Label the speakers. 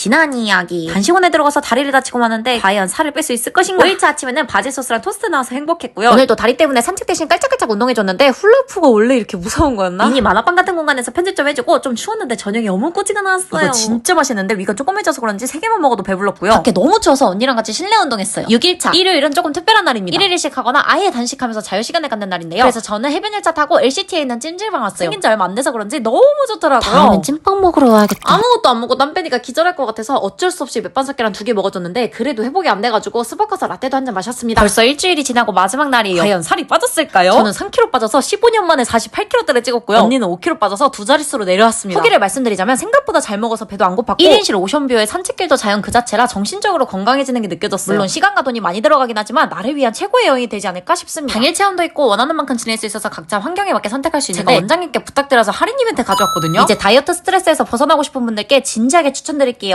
Speaker 1: 지난 이야기. 간식원에 들어가서 다리를 다치고 마는데 과연 살을 뺄 수 있을 것인가? 5일차 아침에는 바질 소스랑 토스트 나와서 행복했고요. 오늘도 다리 때문에 산책 대신 깔짝깔짝 운동해줬는데 훌라후프가 원래 이렇게 무서운 거였나? 미니 만화방 같은 공간에서 편집 좀 해주고 좀 추웠는데 저녁에 어묵꼬지가 나왔어요. 이거 진짜 맛있는데 위가 조그매져서 그런지 3개만 먹어도 배불렀고요. 밖에 너무 추워서 언니랑 같이 실내 운동했어요. 6일차. 일요일은 조금 특별한 날입니다. 1일 일식하거나 아예 단식하면서 자유시간을 갖는 날인데요. 그래서 저는 해변 열차 타고 LCT에 있는 찜질방 왔어요. 생긴 지 얼마 안 돼서 그런지 너무 좋더라고요.
Speaker 2: 다음엔 찐빵 먹으러 와야겠다.
Speaker 1: 아무것도 안 먹고 땀 빼니까 기절할 것 같아서 어쩔 수 없이 맥반석계랑 2개 먹어줬는데 그래도 회복이 안 돼가지고 스벅가서 라떼도 한 잔 마셨습니다. 벌써 일주일이 지나고 마지막 날이에요. 과연 살이 빠졌을까요? 저는 3kg 빠져서 15년 만에 48kg대를 찍었고요. 언니는 5kg 빠져서 2자릿수로 내려왔습니다. 후기를 말씀드리자면 생각보다 잘 먹어서 배도 안 고팠고 1인실 오션뷰에 산책길도 자연 그 자체라 정신적으로 건강해지는 게 느껴졌어요. 물론 시간과 돈이 많이 들어가긴 하지만 나를 위한 최고의 여행이 되지 않을까 싶습니다. 당일 체험도 있고 원하는 만큼 지낼 수 있어서 각자 환경에 맞게 선택할 수 있는데 제가 원장님께 부탁드려서 할인 이벤트 가져왔거든요. 이제 다이어트 스트레스에서 벗어나고 싶은 분들께 진지하게 추천드릴게요.